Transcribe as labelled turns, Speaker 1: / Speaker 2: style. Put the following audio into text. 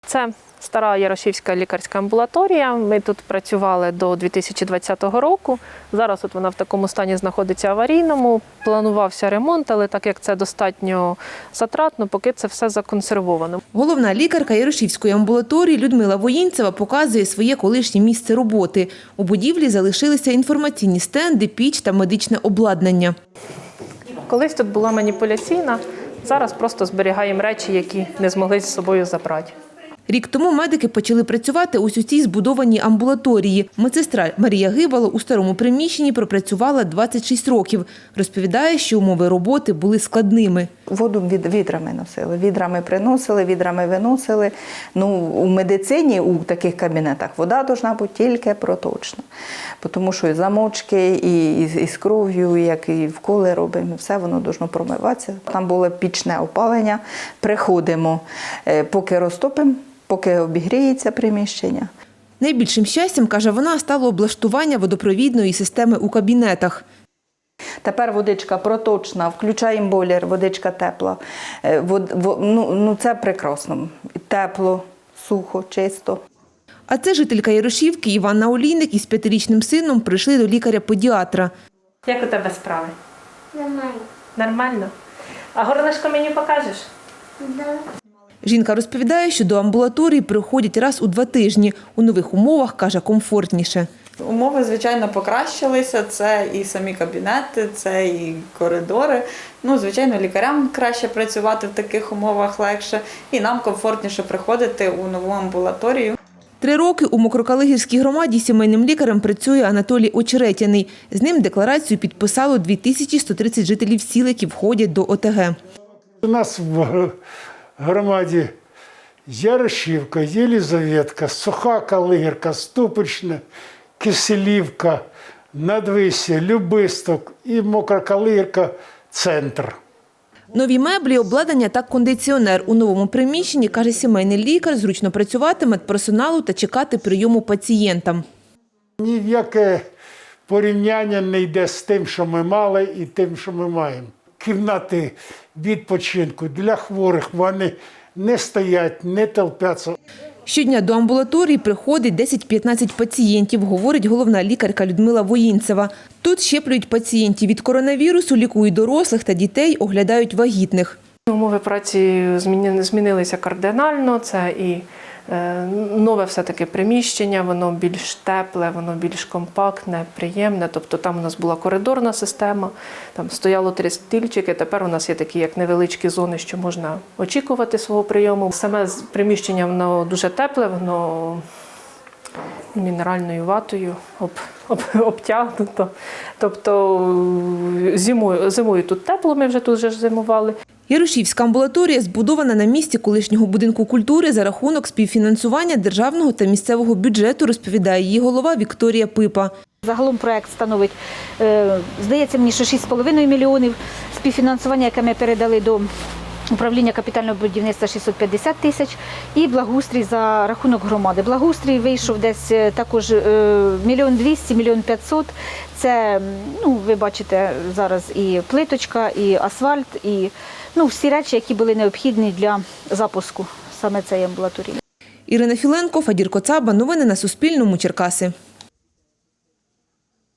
Speaker 1: Це стара Ярошівська лікарська амбулаторія. Ми тут працювали до 2020 року. Зараз от вона в такому стані знаходиться аварійному. Планувався ремонт, але так як це достатньо затратно, поки це все законсервовано.
Speaker 2: Головна лікарка Ярошівської амбулаторії Людмила Воїнцева показує своє колишнє місце роботи. У будівлі залишилися інформаційні стенди, піч та медичне обладнання.
Speaker 1: Колись тут була маніпуляційна, зараз просто зберігаємо речі, які не змогли з собою забрати.
Speaker 2: Рік тому медики почали працювати ось у цій збудованій амбулаторії. Медсестра Марія Гибало у старому приміщенні пропрацювала 26 років. Розповідає, що умови роботи були складними.
Speaker 3: Воду відрами носили, відрами приносили, відрами виносили. У медицині у таких кабінетах вода повинна бути тільки проточна. Тому що і замочки, і з кров'ю, як і вколи робимо, все воно повинно промиватися. Там було пічне опалення, приходимо, поки розтопимо, поки обігріється приміщення.
Speaker 2: Найбільшим щастям, каже вона, стало облаштування водопровідної системи у кабінетах.
Speaker 3: Тепер водичка проточна, включаємо бойлер, водичка тепла. Це прекрасно. Тепло, сухо, чисто.
Speaker 2: А це жителька Ярошівки Іванна Олійник із 5-річним сином прийшли до лікаря-педіатра.
Speaker 1: Як у тебе справи?
Speaker 4: Нормально.
Speaker 1: Нормально? А горлишко мені покажеш?
Speaker 4: Да.
Speaker 2: Жінка розповідає, що до амбулаторії приходять раз у 2 тижні. У нових умовах, каже, комфортніше.
Speaker 5: Умови, звичайно, покращилися. Це і самі кабінети, це і коридори. Звичайно, лікарям краще працювати в таких умовах легше. І нам комфортніше приходити у нову амбулаторію.
Speaker 2: 3 роки у Мокрокалигірській громаді сімейним лікарем працює Анатолій Очеретяний. З ним декларацію підписало 2130 жителів сіл, які входять до ОТГ.
Speaker 6: У нас в громаді Ярошівка, Єлизаветка, Суха Калигірка, Ступичне, Киселівка, Надвисся, Любисток і Мокрокалигірка – центр.
Speaker 2: Нові меблі, обладнання та кондиціонер. У новому приміщенні, каже сімейний лікар, зручно працювати медперсоналу та чекати прийому пацієнтам.
Speaker 6: Ні в яке порівняння не йде з тим, що ми мали, і тим, що ми маємо. Кімнати відпочинку для хворих, вони не стоять, не толпяться.
Speaker 2: Щодня до амбулаторії приходить 10-15 пацієнтів, говорить головна лікарка Людмила Воїнцева. Тут щеплюють пацієнтів від коронавірусу, лікують дорослих та дітей, оглядають вагітних.
Speaker 1: Умови праці змінилися кардинально. Це і нове все-таки приміщення, воно більш тепле, воно більш компактне, приємне. Тобто там у нас була коридорна система, там стояло 3 стільчики, тепер у нас є такі як невеличкі зони, що можна очікувати свого прийому. Саме приміщення воно дуже тепле, воно мінеральною ватою обтягнуто. Тобто зимою тут тепло, ми вже тут зимували.
Speaker 2: Ярошівська амбулаторія збудована на місці колишнього будинку культури за рахунок співфінансування державного та місцевого бюджету, розповідає її голова Вікторія Пипа.
Speaker 7: Загалом проект становить, здається мені, що 6,5 мільйонів. Співфінансування, яке ми передали до управління капітального будівництва, 650 тисяч. І благоустрій за рахунок громади. Благоустрій вийшов десь також 1 200 000 – 1 500 000. Це, ви бачите, зараз і плиточка, і асфальт, і всі речі, які були необхідні для запуску саме цієї амбулаторії.
Speaker 2: Ірина Філенко, Фадір Коцаба. Новини на Суспільному. Черкаси.